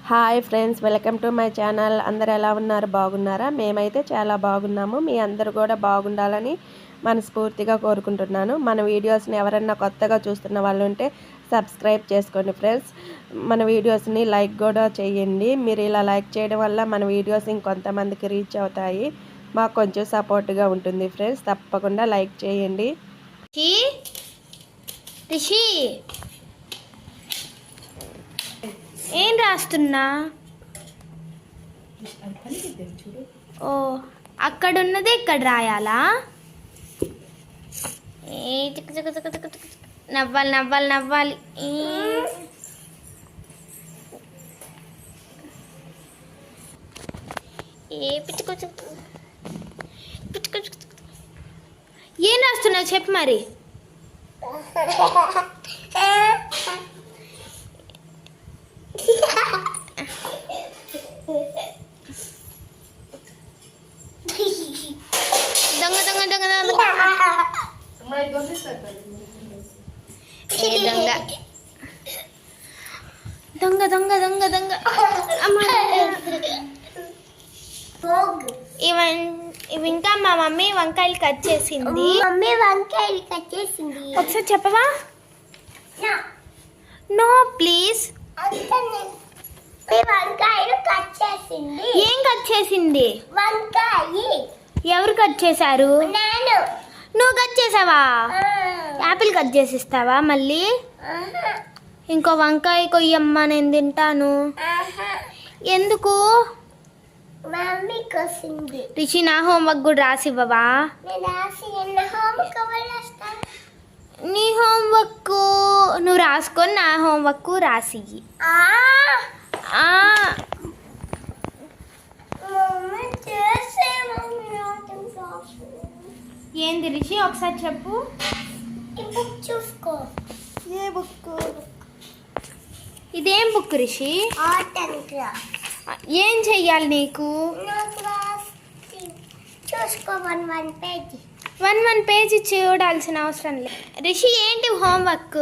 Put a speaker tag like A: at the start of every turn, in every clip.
A: Hi friends, welcome to my channel. అందరు ఎలా ఉన్నారు? బాగున్నారా? మేమైతే చాలా బాగున్నాము. మీ అందరూ కూడా బాగుండాలని మనస్ఫూర్తిగా కోరుకుంటున్నాను. మన వీడియోస్ని ఎవరన్నా కొత్తగా చూస్తున్న వాళ్ళు ఉంటే సబ్స్క్రైబ్ చేసుకోండి ఫ్రెండ్స్. మన వీడియోస్ని లైక్ కూడా చేయండి. మీరు ఇలా లైక్ చేయడం వల్ల మన వీడియోస్ ఇంకొంతమందికి రీచ్ అవుతాయి. మాకు కొంచెం సపోర్ట్గా ఉంటుంది ఫ్రెండ్స్. తప్పకుండా లైక్ చేయండి.
B: రిషి, ఏం రాస్తున్నా? ఓ, అక్కడున్నది ఇక్కడ రాయాలా? నవ్వాలి నవ్వాలి నవ్వాలి. ఏం రాస్తున్నావు చెప్పు మరి. దొంగ దొంగ దొంగ దొంగ దొంగ దొంగ దొంగ దొంగ. ఇవి ఇంకా మా మమ్మీ వంకాయలు కట్ చేసింది. ఒకసారి చెప్పవా? No please. ఏం కట్ చేసింది? ఎవరు కట్ చేశారు? నువ్వు కట్ చేసావా? యాపిల్ కట్ చేసిస్తావా మళ్ళీ? ఇంకో వంకాయ కొయ్యమ్మ, నేను తింటాను. ఎందుకు? రిషి, నా హోంవర్క్ కూడా రాసివ్వవా? నీ హోంవర్క్ నువ్వు రాసుకొని నా హోంవర్క్ రాసి. ఏంది రిషి, ఒకసారి చెప్పు.
C: చూసుకో.
B: ఏ బుక్? ఇదేం బుక్ రిషి? ఏం చెయ్యాలి నీకు?
C: చూసుకో. One page.
B: వన్ పేజీ చూడాల్సిన అవసరం లేదు. రిషి, ఏంటి హోంవర్క్?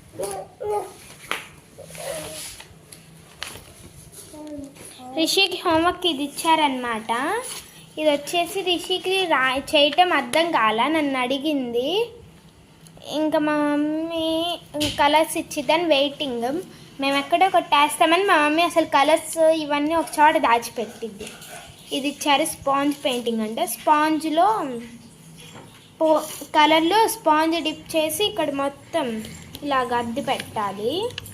B: రిషికి హోంవర్క్ ఇది ఇచ్చారనమాట. ఇది వచ్చేసి రిషికి చేయటం అర్థం కాల, నన్ను అడిగింది. ఇంకా మా మమ్మీ కలర్స్ ఇచ్చిద్దని వెయిటింగ్. మేము ఎక్కడో కొట్టేస్తామని మా మమ్మీ అసలు కలర్స్ ఇవన్నీ ఒక చోట దాచిపెట్టిద్ది. ఇది ఇచ్చారు స్పాంజ్ పెయింటింగ్ అంటే. స్పాంజ్లో కలర్లో స్పాంజ్ డిప్ చేసి ఇక్కడ మొత్తం ఇలా గద్ది పెట్టాలి.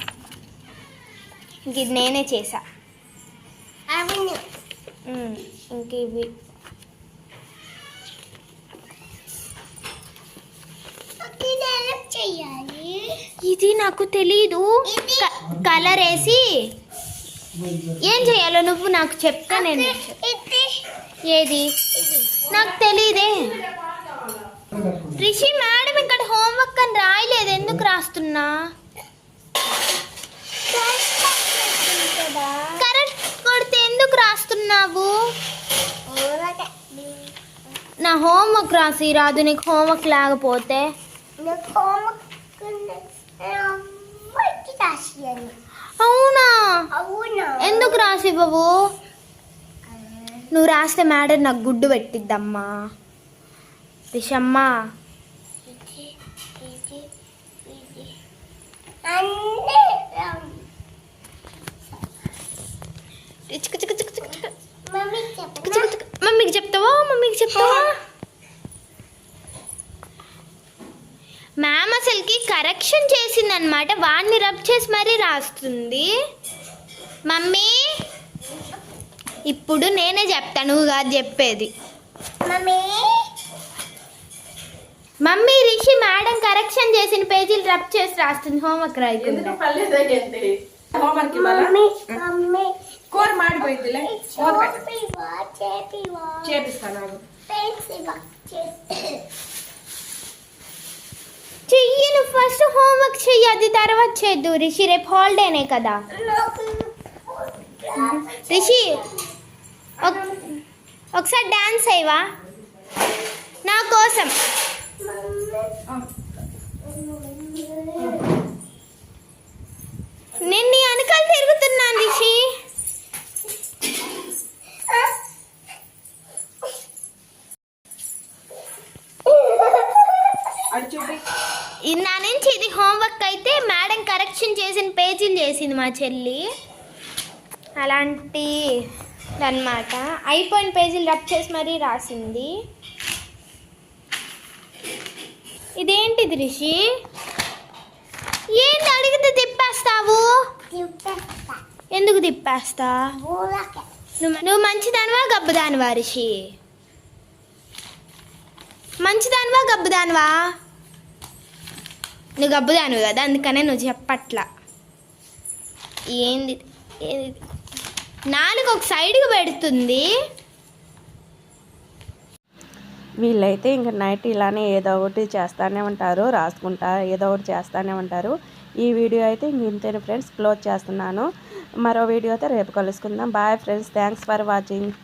B: ఇంక ఇది నేనే చేసా. ఇంక ఇవి ఇది నాకు తెలీదు. కలర్ వేసి ఏం చేయాలో నువ్వు నాకు చెప్తా. నేను ఏది నాకు తెలీదే. రిషి, మేడం ఇక్కడ హోంవర్క్ అని రాయలేదు, ఎందుకు రాస్తున్నా? కరెక్ట్ కొడితే ఎందుకు రాస్తున్నావు? నా హోంవర్క్ రాసి రాదు నీకు హోంవర్క్ లేకపోతే? అవునా? ఎందుకు రాసివ్వవు? నువ్వు రాస్తే మేడం నాకు గుడ్డు పెట్టిద్దమ్మా. రిషమ్మా, మమ్మీకి చెప్తావా? మమ్మీకి చెప్తావా? మ్యామ్ అసలుకి కరెక్షన్ చేసిందనమాట. వాడిని రబ్ చేసి మరీ రాస్తుంది. మమ్మీ, ఇప్పుడు నేనే చెప్తాను, నువ్వు కాదు చెప్పేది. మమ్మీ, రిషి మేడం కరెక్షన్ చేసిన పేజీలు రబ్ చేసి రాస్తుంది హోంవర్క్ రాయకుండా. చెయ్యి, నువ్వు ఫస్ట్ హోంవర్క్ చెయ్యి, అది తర్వాత చేద్దు. రిషి, రేపు హాలిడేనే కదా. రిషి, ఒకసారి డాన్స్ అయ్యవా నా కోసం? నేను నీ వెనకాల తిరుగుతున్నాను రిషి. హోంవర్క్ అయితే మేడం కరెక్షన్ చేసిన పేజీలు చేసింది మా చెల్లి. అలాంటి అన్నమాట. అయిపోయిన పేజీలు రబ్ చేసి మరీ రాసింది. ఇదేంటిది రిషి? ఏంటి అడిగితే తిప్పేస్తావు? ఎందుకు తిప్పేస్తా? నువ్వు మంచిదానివా గబ్బుదానివా రిషి? మంచిదానివా గబ్బుదానివా? నువ్వు గబ్బుదానివి కదా, అందుకనే నువ్వు చెప్పట్లా. ఏంది నాలుగు ఒక సైడ్కి పెడుతుంది.
A: వీళ్ళైతే ఇంక నైట్ ఇలానే ఏదో ఒకటి చేస్తూనే ఉంటారు, రాసుకుంటా ఏదో ఒకటి చేస్తూనే ఉంటారు. ఈ వీడియో అయితే ఇంక ఇంతేనే ఫ్రెండ్స్, క్లోజ్ చేస్తున్నాను. మరో వీడియోతో రేపు కలుసుకుందాం. Bye friends, thanks for watching.